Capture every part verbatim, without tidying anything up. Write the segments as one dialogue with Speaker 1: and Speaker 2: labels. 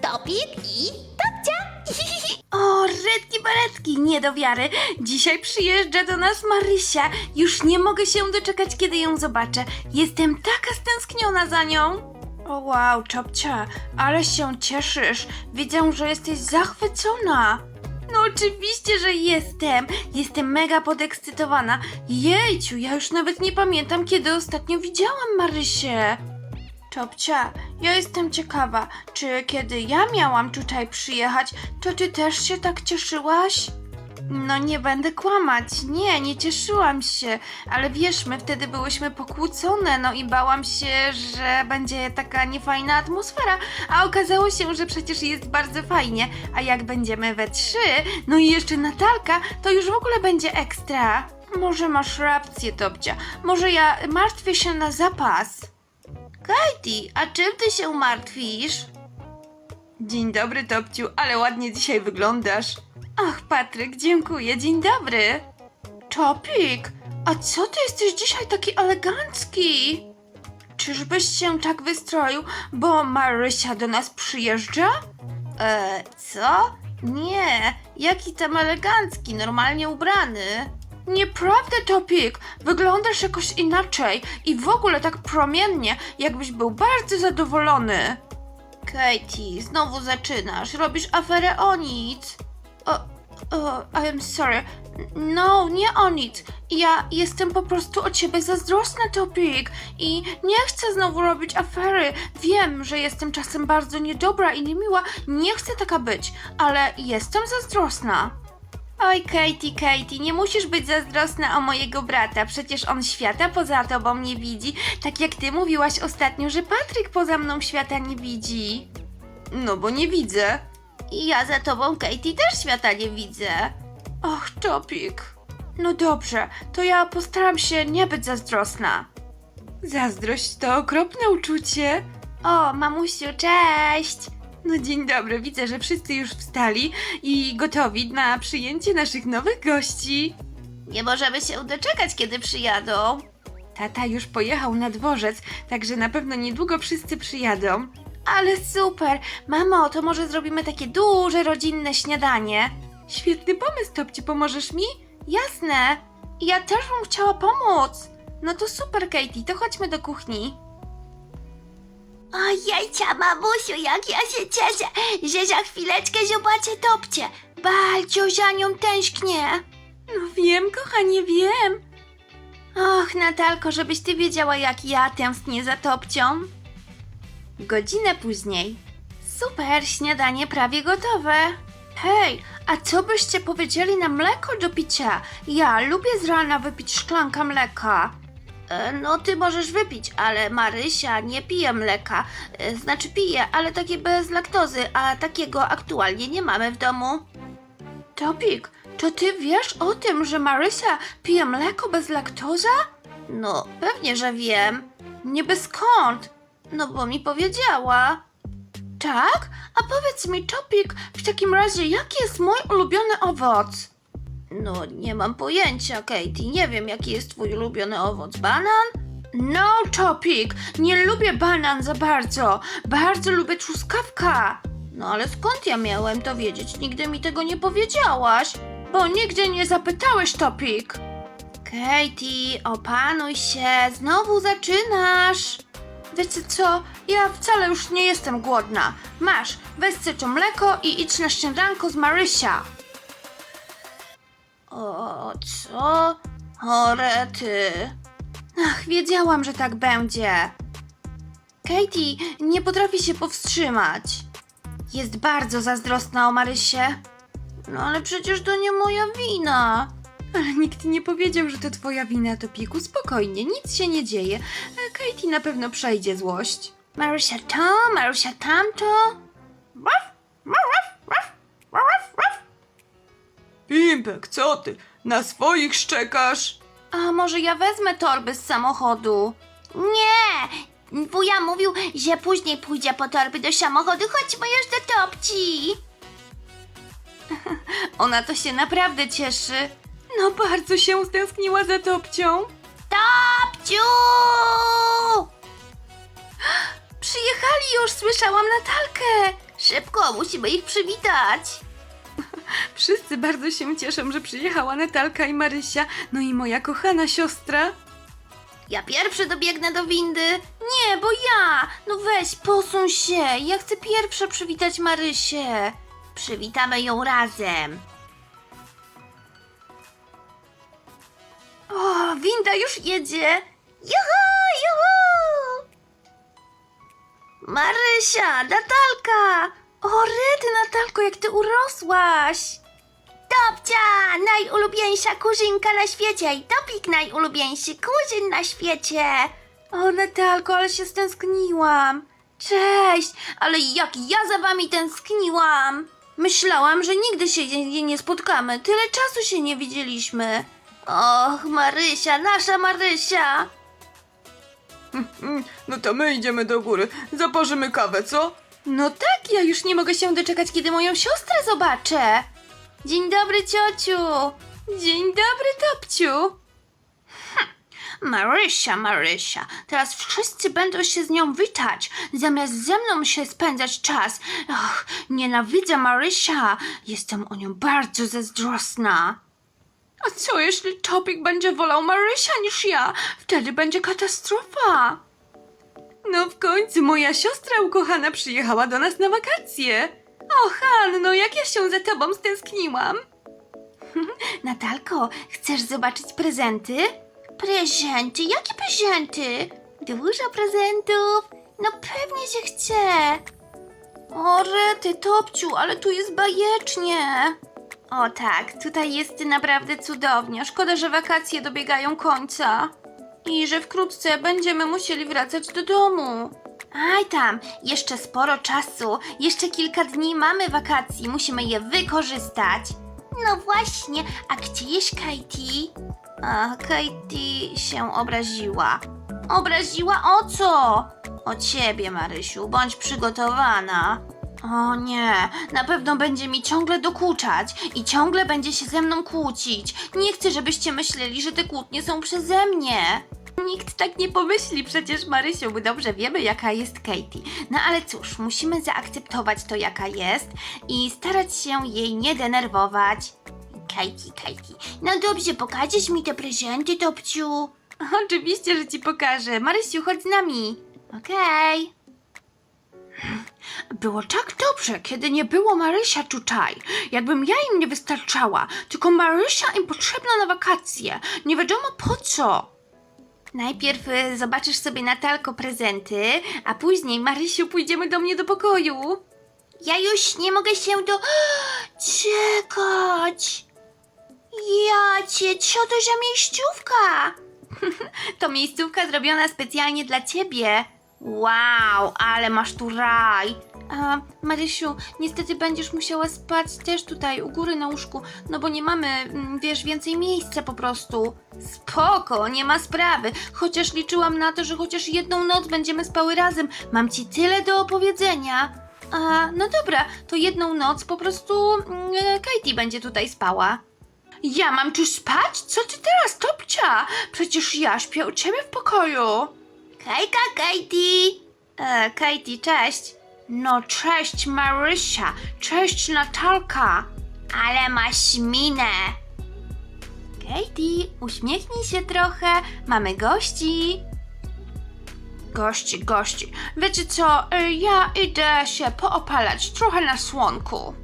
Speaker 1: Topik i Topcia.
Speaker 2: O, redki beretki, nie do wiary. Dzisiaj przyjeżdża do nas Marysia. Już nie mogę się doczekać, kiedy ją zobaczę. Jestem taka stęskniona za nią. O wow, Czopcia, ale się cieszysz. Widzę, że jesteś zachwycona. No oczywiście, że jestem. Jestem mega podekscytowana. Jejciu, ja już nawet nie pamiętam, kiedy ostatnio widziałam Marysię. Czopcia, ja jestem ciekawa, czy kiedy ja miałam tutaj przyjechać, to ty też się tak cieszyłaś? No nie będę kłamać, nie, nie cieszyłam się, ale wiesz, my wtedy byłyśmy pokłócone, no i bałam się, że będzie taka niefajna atmosfera, a okazało się, że przecież jest bardzo fajnie, a jak będziemy we trzy, no i jeszcze Natalka, to już w ogóle będzie ekstra. Może masz rację, Topcia, może ja martwię się na zapas. Katie, a czym ty się martwisz? Dzień dobry, Topciu, ale ładnie dzisiaj wyglądasz. Ach, Patryk, dziękuję, dzień dobry. Topik, a co ty jesteś dzisiaj taki elegancki? Czyżbyś się tak wystroił, bo Marysia do nas przyjeżdża? Eee, co? Nie, jaki tam elegancki, normalnie ubrany. Nieprawda, Topik, wyglądasz jakoś inaczej i w ogóle tak promiennie, jakbyś był bardzo zadowolony. Katie, znowu zaczynasz, robisz aferę o nic. O, o, I'm sorry. No, nie o nic. Ja jestem po prostu o ciebie zazdrosna, Topik. I nie chcę znowu robić afery. Wiem, że jestem czasem bardzo niedobra i niemiła. Nie chcę taka być, ale jestem zazdrosna. Oj, Katie, Katie, nie musisz być zazdrosna o mojego brata. Przecież on świata poza tobą nie widzi. Tak jak ty mówiłaś ostatnio, że Patryk poza mną świata nie widzi. No, bo nie widzę. I ja za tobą, Katie, też świata nie widzę. Och, Topik. No dobrze, to ja postaram się nie być zazdrosna. Zazdrość to okropne uczucie. O, mamusiu, cześć. No dzień dobry, widzę, że wszyscy już wstali i gotowi na przyjęcie naszych nowych gości. Nie możemy się doczekać, kiedy przyjadą. Tata już pojechał na dworzec, także na pewno niedługo wszyscy przyjadą. Ale super! Mamo, to może zrobimy takie duże, rodzinne śniadanie? Świetny pomysł, Topci, pomożesz mi? Jasne! Ja też bym chciała pomóc! No to super, Katie, to chodźmy do kuchni.
Speaker 1: Ojejcia, mamusiu, jak ja się cieszę, że za chwileczkę zobaczę Topcię. Bardzo za nią tęsknię.
Speaker 2: No wiem, kochanie, wiem. Och, Natalko, żebyś ty wiedziała, jak ja tęsknię za Topcią. Godzinę później. Super, śniadanie prawie gotowe. Hej, a co byście powiedzieli na mleko do picia? Ja lubię z rana wypić szklankę mleka. E, no ty możesz wypić, ale Marysia nie pije mleka. E, znaczy pije, ale takie bez laktozy, a takiego aktualnie nie mamy w domu. Topik, to ty wiesz o tym, że Marysia pije mleko bez laktoza? No, pewnie, że wiem. Niby skąd? No bo mi powiedziała. Tak? A powiedz mi, Topik, w takim razie jaki jest mój ulubiony owoc? No, nie mam pojęcia, Katie. Nie wiem, jaki jest twój ulubiony owoc. Banan? No, Topik, nie lubię banan za bardzo. Bardzo lubię truskawka. No ale skąd ja miałem to wiedzieć? Nigdy mi tego nie powiedziałaś. Bo nigdy nie zapytałeś, Topik. Katie, opanuj się. Znowu zaczynasz. Wiecie co? Ja wcale już nie jestem głodna. Masz, weź sobie to mleko i idź na śniadanko z Marysia. O, co? O, rety. Ach, wiedziałam, że tak będzie. Katie nie potrafi się powstrzymać. Jest bardzo zazdrosna o Marysię. No ale przecież to nie moja wina. Ale nikt nie powiedział, że to twoja wina, Topiku. Spokojnie, nic się nie dzieje. Katie na pewno przejdzie złość. Marysia to, Marysia tamto.
Speaker 3: Pimpek, co ty? Na swoich szczekasz?
Speaker 2: A może ja wezmę torby z samochodu?
Speaker 1: Nie, wuja mówił, że później pójdzie po torby do samochodu. Chodźmy już do Topci.
Speaker 2: Ona to się naprawdę cieszy. No bardzo się stęskniła za Topcią.
Speaker 1: Topciu!
Speaker 2: Przyjechali już, słyszałam Natalkę.
Speaker 1: Szybko, szybko, musimy ich przywitać.
Speaker 2: Wszyscy bardzo się cieszą, że przyjechała Natalka i Marysia, no i moja kochana siostra.
Speaker 1: Ja pierwszy dobiegnę do windy.
Speaker 2: Nie, bo ja! No weź, posuń się, ja chcę pierwsza przywitać Marysię.
Speaker 1: Przywitamy ją razem.
Speaker 2: O, winda już jedzie.
Speaker 1: Juhu, juhu! Marysia, Natalka!
Speaker 2: O, rety, Natalko, jak ty urosłaś.
Speaker 1: Topcia, najulubieńsza kuzynka na świecie i Topik najulubieńszy kuzyn na świecie.
Speaker 2: O, Natalko, ale się stęskniłam. Cześć, ale jak ja za wami tęskniłam. Myślałam, że nigdy się nie, nie spotkamy. Tyle czasu się nie widzieliśmy.
Speaker 1: Och, Marysia, nasza Marysia.
Speaker 3: Mm, No to my idziemy do góry. Zaparzymy kawę, co?
Speaker 2: No tak, ja już nie mogę się doczekać, kiedy moją siostrę zobaczę. Dzień dobry, ciociu. Dzień dobry, Topciu.
Speaker 1: Marysia, Marysia, teraz wszyscy będą się z nią witać, zamiast ze mną się spędzać czas. Och, nienawidzę Marysia, jestem o nią bardzo zazdrosna.
Speaker 2: A co jeśli Topik będzie wolał Marysia niż ja? Wtedy będzie katastrofa. No w końcu moja siostra ukochana przyjechała do nas na wakacje. O, Hanno, jak ja się za tobą stęskniłam. Natalko, chcesz zobaczyć prezenty?
Speaker 1: Prezenty? Jakie prezenty? Dużo prezentów? No pewnie, że chcę.
Speaker 2: O, rety, Topciu, ale tu jest bajecznie. O tak, tutaj jest naprawdę cudownie. Szkoda, że wakacje dobiegają końca. I że wkrótce będziemy musieli wracać do domu.
Speaker 1: Aj tam, jeszcze sporo czasu, jeszcze kilka dni mamy wakacji, musimy je wykorzystać. No właśnie, a gdzie jest Katie? A, Katie się obraziła. Obraziła o co? O ciebie, Marysiu, bądź przygotowana.
Speaker 2: O nie, na pewno będzie mi ciągle dokuczać i ciągle będzie się ze mną kłócić. Nie chcę, żebyście myśleli, że te kłótnie są przeze mnie. Nikt tak nie pomyśli, przecież Marysiu, my dobrze wiemy, jaka jest Katie. No ale cóż, musimy zaakceptować to, jaka jest i starać się jej nie denerwować.
Speaker 1: Katie, Katie, no dobrze, pokażesz mi te prezenty, Topciu?
Speaker 2: Oczywiście, że ci pokażę. Marysiu, chodź z nami.
Speaker 1: Okej.
Speaker 2: Było tak dobrze, kiedy nie było Marysia tutaj. Jakbym ja im nie wystarczała. Tylko Marysia im potrzebna na wakacje. Nie wiadomo po co. Najpierw y, zobaczysz sobie, Natalko, prezenty, a później, Marysiu, pójdziemy do mnie do pokoju.
Speaker 1: Ja już nie mogę się do... czekać. Ja cię, co to za miejscówka?
Speaker 2: To miejscówka zrobiona specjalnie dla ciebie. Wow, ale masz tu raj. A, Marysiu, niestety będziesz musiała spać też tutaj u góry na łóżku, no bo nie mamy, mm, wiesz, więcej miejsca po prostu. Spoko, nie ma sprawy. Chociaż liczyłam na to, że chociaż jedną noc będziemy spały razem. Mam ci tyle do opowiedzenia. A, no dobra, to jedną noc po prostu mm, Katie będzie tutaj spała. Ja mam tu spać? Co ty teraz, Topcia? Przecież ja śpię u ciebie w pokoju.
Speaker 1: Hejka, Katie.
Speaker 2: E, Katie, cześć. No cześć, Marysia. Cześć, Natalka.
Speaker 1: Ale masz minę.
Speaker 2: Katie, uśmiechnij się trochę. Mamy gości. Gości, gości. Wiecie co, e, ja idę się poopalać trochę na słonku.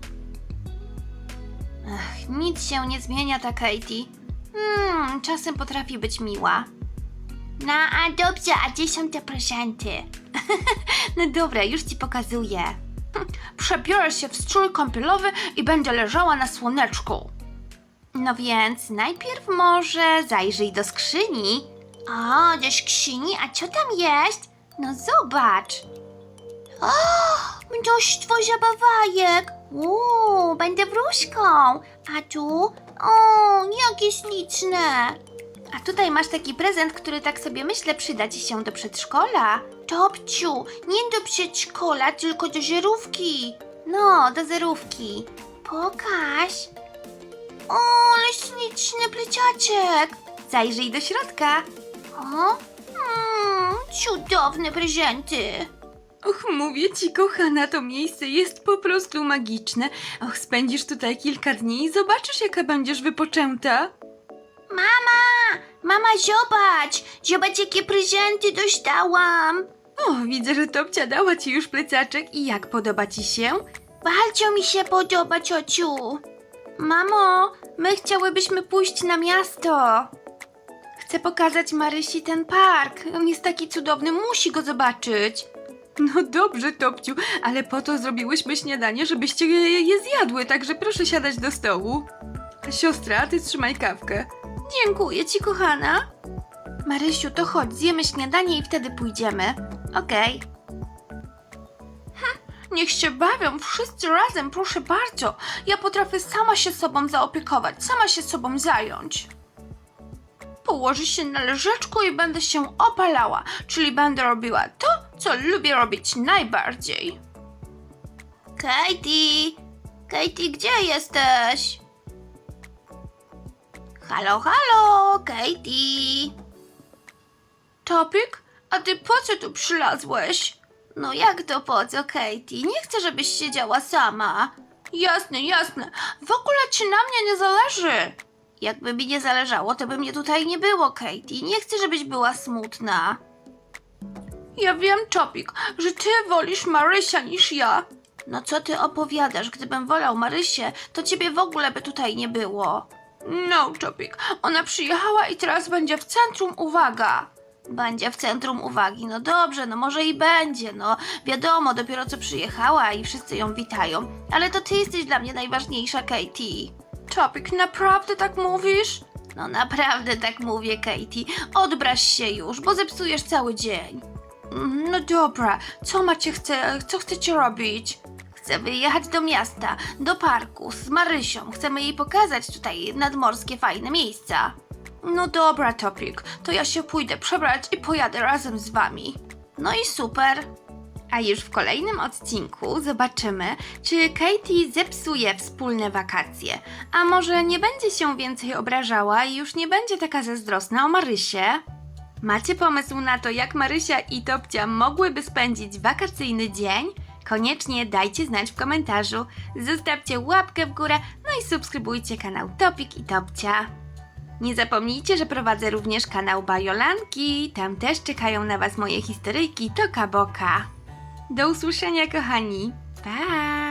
Speaker 2: Ach, nic się nie zmienia ta Katie. Hmm, czasem potrafi być miła.
Speaker 1: No a dobrze, a gdzie są te prezenty?
Speaker 2: No dobra, już ci pokazuję. Przebiorę się w strój kąpielowy i będę leżała na słoneczku. No więc najpierw może zajrzyj do skrzyni.
Speaker 1: O, do skrzyni, a co tam jest?
Speaker 2: No zobacz.
Speaker 1: O, mnóstwo zabawajek. Uuu, będę wróżką. A tu? O, jakie śliczne.
Speaker 2: A tutaj masz taki prezent, który tak sobie myślę przyda ci się do przedszkola.
Speaker 1: Topciu, nie do przedszkola, tylko do żerówki.
Speaker 2: No, do zerówki.
Speaker 1: Pokaż. O, ale śliczny pleciaczek.
Speaker 2: Zajrzyj do środka.
Speaker 1: O, mm, cudowne prezenty.
Speaker 2: Och, mówię ci, kochana, to miejsce jest po prostu magiczne. Och, spędzisz tutaj kilka dni i zobaczysz, jaka będziesz wypoczęta.
Speaker 1: Mama! Mama, zobacz! Zobacz, jakie prezenty dostałam!
Speaker 2: O, widzę, że Topcia dała ci już plecaczek i jak podoba ci się?
Speaker 1: Bardzo mi się podoba, ciociu. Mamo, my chciałybyśmy pójść na miasto.
Speaker 2: Chcę pokazać Marysi ten park. On jest taki cudowny, musi go zobaczyć. No dobrze, Topciu, ale po to zrobiłyśmy śniadanie, żebyście je, je zjadły, także proszę siadać do stołu. Siostra, ty trzymaj kawkę.
Speaker 1: Dziękuję ci, kochana. Marysiu, to chodź, zjemy śniadanie i wtedy pójdziemy. Okej.
Speaker 2: Niech się bawią wszyscy razem, proszę bardzo. Ja potrafię sama się sobą zaopiekować, sama się sobą zająć. Położę się na leżaczku i będę się opalała, czyli będę robiła to, co lubię robić najbardziej.
Speaker 1: Katie! Katie, gdzie jesteś? Halo, halo, Katie!
Speaker 2: Topik, a ty po co tu przylazłeś?
Speaker 1: No jak to po co, Katie? Nie chcę, żebyś siedziała sama.
Speaker 2: Jasne, jasne. W ogóle ci na mnie nie zależy.
Speaker 1: Jakby mi nie zależało, to by mnie tutaj nie było, Katie. Nie chcę, żebyś była smutna.
Speaker 2: Ja wiem, Topik, że ty wolisz Marysia niż ja.
Speaker 1: No co ty opowiadasz? Gdybym wolał Marysię, to ciebie w ogóle by tutaj nie było.
Speaker 2: No, Topik, ona przyjechała i teraz będzie w centrum, uwaga.
Speaker 1: Będzie w centrum uwagi. No dobrze, no może i będzie, no. Wiadomo, dopiero co przyjechała i wszyscy ją witają. Ale to ty jesteś dla mnie najważniejsza, Katie.
Speaker 2: Topik, naprawdę tak mówisz?
Speaker 1: No naprawdę tak mówię, Katie. Odbraź się już, bo zepsujesz cały dzień.
Speaker 2: No dobra, co macie chce, co chcecie robić?
Speaker 1: Chcę wyjechać do miasta, do parku z Marysią. Chcemy jej pokazać tutaj nadmorskie fajne miejsca.
Speaker 2: No dobra, Topik, to ja się pójdę przebrać i pojadę razem z wami.
Speaker 1: No i super.
Speaker 2: A już w kolejnym odcinku zobaczymy, czy Katie zepsuje wspólne wakacje, a może nie będzie się więcej obrażała i już nie będzie taka zazdrosna o Marysię? Macie pomysł na to, jak Marysia i Topcia mogłyby spędzić wakacyjny dzień? Koniecznie dajcie znać w komentarzu, zostawcie łapkę w górę, no i subskrybujcie kanał Topik i Topcia. Nie zapomnijcie, że prowadzę również kanał Bajolanki, tam też czekają na Was moje historyjki Toka Boka. Do usłyszenia, kochani. Pa!